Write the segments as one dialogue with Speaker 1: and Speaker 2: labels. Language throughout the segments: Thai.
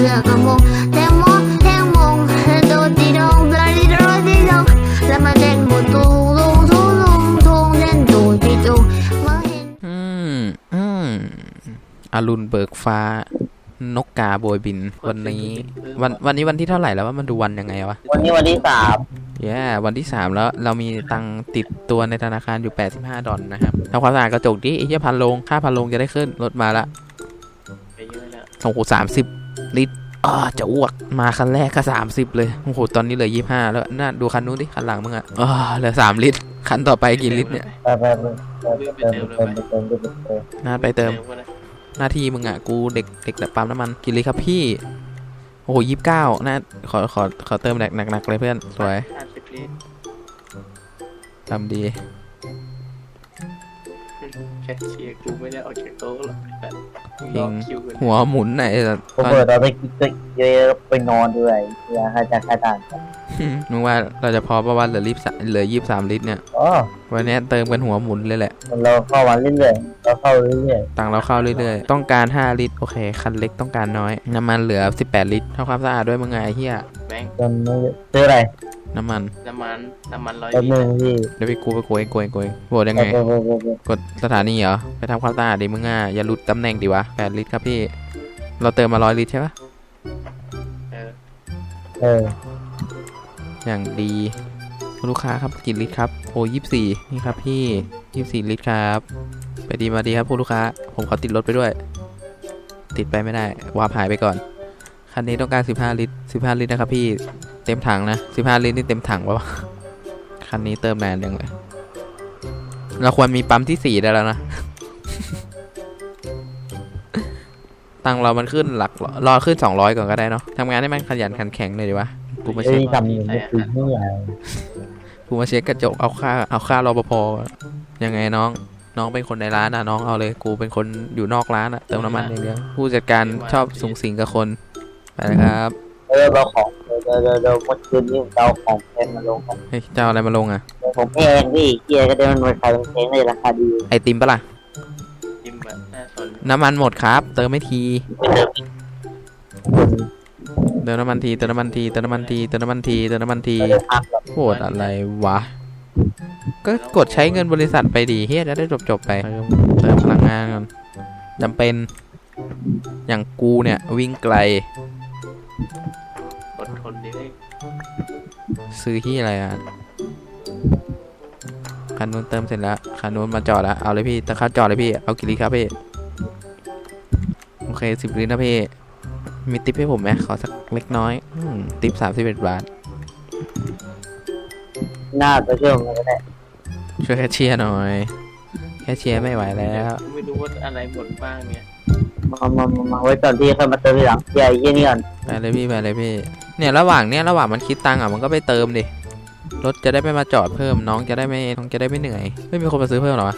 Speaker 1: เลือกกระมงแตงโมแตงมงโดดีดงดาดีโดดีดงแล้วมาเต้นหมดตุงลุงทุงลุงทุงเต้นดูดีดูมาเห็น
Speaker 2: อรุณเบิกฟ้านกกาโบยบินวันนี้วันที่เท่าไหร่แล้วว่ามันดูวันยังไงวะ
Speaker 3: วันนี้วันที่3
Speaker 2: วันที่3แล้วเรามีตังติดตัวในธนาคารอยู่85 ดอลนะครับทำความสะอาดกระจกดิไอ้เหี้ยพันลงค่าพันลงจะได้ขึ้นรถมาละโอ้โห30 ลิตรจะอ้วกมาคันแรกก็30เลยโอ้โหตอนนี้เหลือ25แล้วน่าดูคันนู้นดิคันหลังมึงอ่ะเหลือ3 ลิตรคันต่อไปกี่ลิตรเนี่ยน่าไปเติมหน้าที่มึงอ่ะกูเด็กปั๊มน้ำมันกี่ลิตรครับพี่โอ้โห29น่าขอเติมหนักเลยเพื่อนสวยทำดี
Speaker 4: แคชเชียร์กูไม่ได้ออกจากโต๊ะหรอก
Speaker 2: ยิงหัวหมุนไหน
Speaker 3: ผมเปิดตอนไปกินเยอะไปนอนด้วยอยากให้จะค่ต่าง
Speaker 2: มึงว่าเราจะพอประมาณเหลือ23 ลิตรเนี่ยวันนี้เติมกันหัวหมุนเลยแหละ
Speaker 3: เราเข้าวันเรื่อยๆเราเข้าเรื่อย
Speaker 2: ๆตังเราเข้าเรื่อยๆต้องการ5 ลิตรโอเคคันเล็กต้องการน้อยน้ำมันเหลือ18 ลิตรทำความสะอาดด้วยมึงไงเฮีย
Speaker 4: แบงค์
Speaker 3: ซื้ออะไร
Speaker 2: น้ำมัน
Speaker 4: 100
Speaker 3: ลิตร
Speaker 2: เดี๋ยวไปกูโกยโหวตยังไงกดสถานีเหรอไปทำความสะอาดดิมึงอ่ะอย่าหลุดตำแหน่งดิวะ8 ลิตรครับพี่เราเติมมา100 ลิตรใช่ปะอย่างดีลูกค้าครับกี่ลิตรครับโอ้24นี่ครับพี่24 ลิตรครับไปดีมาดีครับผู้ลูกค้าผมขอติดรถไปด้วยติดไปไม่ได้วาร์ปหายไปก่อนคันนี้ต้องการ15 ลิตร15 ลิตรนะครับพี่เต็มถังนะ15 ลิตรนี่เต็มถังวะคันนี้เติมนานยังเลยเราควรมีปั๊มที่4ได้แล้วนะ ตังเรามันขึ้นหลักรอขึ้น200ก่อนก็ได้เนาะทำงานให้มันขยันขันแข็งเลยดีวะกูมาเช็คกูมาเช็คกระจกเอาค่ารปภยังไงน้องเป็นคนในร้านนะน้องเอาเลยกูเป็นคนอยู่นอกร้านอะเติมน้ำมันอย่างเดียวผู้จัดการชอบสุงสิงกับคนไปนะครับ
Speaker 3: เราของเราเมื่อคืนนี้เราของแพงมาลง
Speaker 2: เฮ้ยเจ้าอะไรมาลงอะ
Speaker 3: ผมแพงพี่เกียร์ก็ได้มันขายแพงในราคาดี
Speaker 2: ไอติมปะล่ะน้ำมันหมดครับเติมไม่ทีเติมน้ำมันทีโหดอะไรวะก็กดใช้เงินบริษัทไปดีเฮียจะได้จบไปเติมพลังงานก่อนจำเป็นอย่างกูเนี่ยวิ่งไกล
Speaker 4: อดทนดิ
Speaker 2: ซื้อที่อะไรอ่ะคันนู้นเติมเสร็จแล้วคันนู้นมาจอดแล้วเอาเลยพี่ตะคัดจอดเลยพี่เอากี่ลิตรครับพี่โอเค10 ลิตรนะพี่มีติ๊บให้ผมไหมขอสักเล็กน้อยติ๊บ31 บาท
Speaker 3: น่าจะช่วยผมก็ได้
Speaker 2: ช่วยแคชเชียร์หน่อยแคชเชียร์ไม่ไหวแล้ว
Speaker 4: ไม่รู้ว่าอะไรหมดบ้างเนี่ย
Speaker 3: มาไว้ก่อนพี่ค่อยมาเติมทีหลังใหญ่ยี่นี่ก่อน
Speaker 2: ไปเลยพี่เนี่ยระหว่างมันคิดตังค์อ่ะมันก็ไปเติมดิรถจะได้ไม่มาจอดเพิ่มน้องจะได้ไม่เหนื่อยไม่มีคนมาซื้อเพิ่มหรอวะ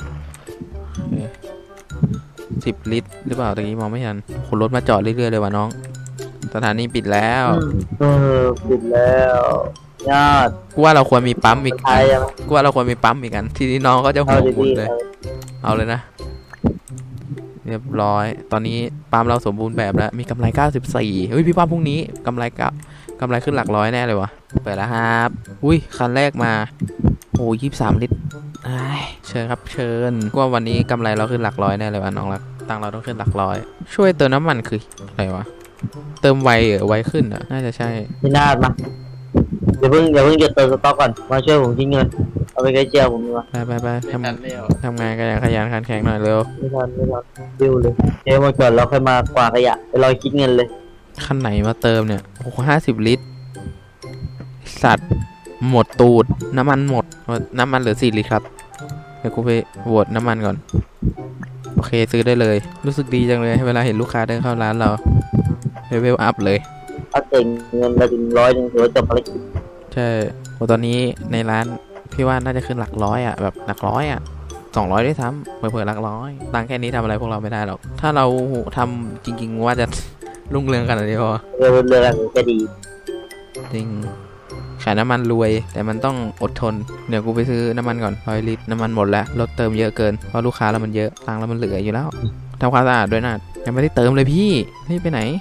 Speaker 2: 10 ลิตรหรือเปล่าตะกี้มองไม่ทันคนรถมาจอดเรื่อยๆเลยว่ะน้องสถานีปิดแล้ว
Speaker 3: ปิดแล้วยอด
Speaker 2: กูว่าเราควรมีปั๊มอีกอันทีนี้น้องก็จะหัวหมุนเลยเอาเลยนะเรียบร้อยตอนนี้ปั๊มเราสมบูรณ์แบบแล้วมีกำไร94เฮ้ยพี่ปั๊มพรุ่งนี้กำไรขึ้นหลักร้อยแน่เลยวะเปิดแล้วครับอุ้ยคันแรกมาโอ้23 ลิตรเชิญครับเชิญว่าวันนี้กำไรเราขึ้นหลักร้อยแน่เลยวะน้องรักตังเราต้องขึ้นหลักร้อยช่วยเติมน้ำมันคืออะไรวะเติมไวขึ้นอ่ะน่าจะใช่
Speaker 3: พี่นาดมาอย่าเพิ่งหยุดเติมสต็อกก่อนมาช่วยผมทิ้งเงินเอาไปใช้เจียวผมดีกว่า
Speaker 2: ไปทำงานกันอย่างขยันขันแข็งหน่อยเร็ว
Speaker 3: ไม่ทันดิวเลยเดี๋ยวมาก่อนเราค่อยมากวาดขยะไปรอคิดเงินเลย
Speaker 2: คันไหนมาเติมเนี่ยโอ้โห50 ลิตรสัตว์หมดตูดน้ำมันหมดน้ำมันเหลือ4 ลิตรครับเดี๋ยวกูไปโหวตน้ำมันก่อนโอเคซื้อได้เลยรู้สึกดีจังเลยเวลาเห็นลูกค้าเดินเข้าร้านเราเลเวลอัพเลย
Speaker 3: เอาเต็มเงินเราถึง100ถือว่าจบภารกิจ
Speaker 2: ใช่ตอนนี้ในร้านพี่ว่าน่าจะขึ้นหลักร้อยอ่ะแบบหลักร้อยอ่ะ200ด้วยซ้ำเผื่อหลักร้อยตังแค่นี้ทำอะไรพวกเราไม่ได้หรอกถ้าเราทำจริงๆว่าจะรุ่งเรืองขนาดนี้พอ
Speaker 3: รุ่งเรืองจะดี
Speaker 2: จริงขายน้ำมันรวยแต่มันต้องอดทนเดี๋ยวกูไปซื้อน้ำมันก่อน100 ลิตรน้ำมันหมดแล้วรถเติมเยอะเกินเพราะลูกค้าเรามันเยอะตังเรามันเหลืออยู่แล้วทำความสะอาดด้วยนะยังไม่ได้เติมเลยพี่ไปไหน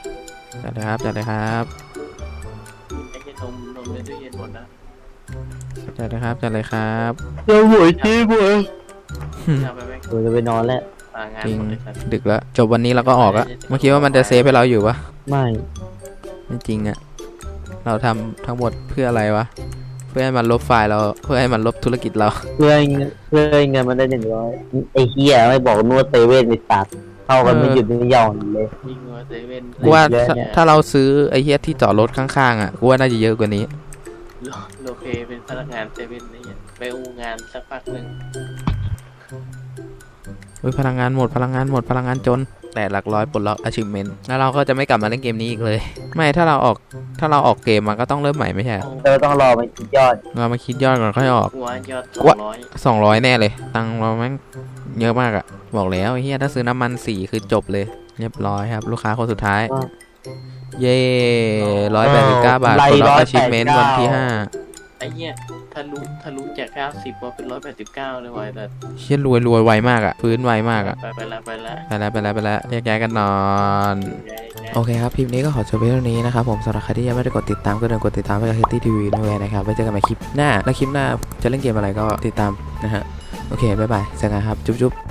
Speaker 2: จัดเลยครับจัดเลยครับ
Speaker 4: ไอ้เหี้ยนมในตู้เย็นหมดนะ
Speaker 2: จัดเลยครับจัดเลยครับ
Speaker 3: เจ้าหวยจีบวย
Speaker 4: เอาไปแม่ง
Speaker 3: ผมจะไปนอนแล้ว
Speaker 4: งาน
Speaker 2: จริง
Speaker 4: หมดเลยครับ
Speaker 2: ดึกแล้วจบวันนี้เราก็ออกอะเมื่อกี้ว่ามันจะเซฟให้เราอยู่ปะ
Speaker 3: ไม่
Speaker 2: ไม่จริงอะเราทำทั้งหมดเพื่ออะไรวะเพื่อให้มันลบไฟล์เราเพื่อให้มันลบธุรกิจเรา
Speaker 3: เพื่อให้เงินมันได้100ไอ้เหี้ยไม่บอกนวดเซเว่นไปตัดเข้ากันไม่หยุดไม่หย่อนเลย
Speaker 4: ยิงหัวเซเว่น
Speaker 2: กูว่า
Speaker 3: เยอะเนี่ย
Speaker 2: ถ้าเราซื้อไอ้เฮียที่จอดรถข้างๆอะกูว่าน่าจะเยอะกว่านี้
Speaker 4: โลเพเป็นพนักงานเซเว่นนี่ไปอูงานสักพักหนึ่ง
Speaker 2: เฮ้ยพลังงานหมดพลังงานหมดพลังงานจนแต่หลักร้อยปลดล็อก achievement แล้วเราก็จะไม่กลับมาเล่นเกมนี้อีกเลย ไม่ถ้าเราออกเกมมันก็ต้องเริ่มใหม่ไม่ใช่เหรอ
Speaker 3: เธอต้องรอมันคิดยอด
Speaker 2: เรามาคิดยอดก่อนค่อยออก
Speaker 4: หัวยอด
Speaker 2: วะ
Speaker 4: 200
Speaker 2: 200แน่เลยตังค์เราแม่งเยอะมากอะบอกแล้วไอ้เฮียถ้าซื้อน้ำมัน4คือจบเลยเรียบร้อยครับลูกค้าคนสุดท้าย เย้189 บาทปลดล็อก achievement วันที่5
Speaker 4: ไอ้เหี้ยทะลุจาก90มาเป็น189เลยว่ะแต่
Speaker 2: เชี่ยรวยไวมากอะฟื้นไวมากอะ
Speaker 4: ไปละ
Speaker 2: ไปแล้วแยกย้ายกันนอน โอเคครับคลิปนี้ก็ขอจบไว้เท่านี้นะครับผมสำหรับใครที่ยังไม่ได้กดติดตามก็เดินกดติดตามไปกับ Hetty TV ด้วยนะครับไว้เจอกันใหม่คลิปหน้าและคลิปหน้าจะเล่นเกมอะไรก็ติดตามนะฮะโอเคบ๊ายบายเจอกันครับจุ๊บ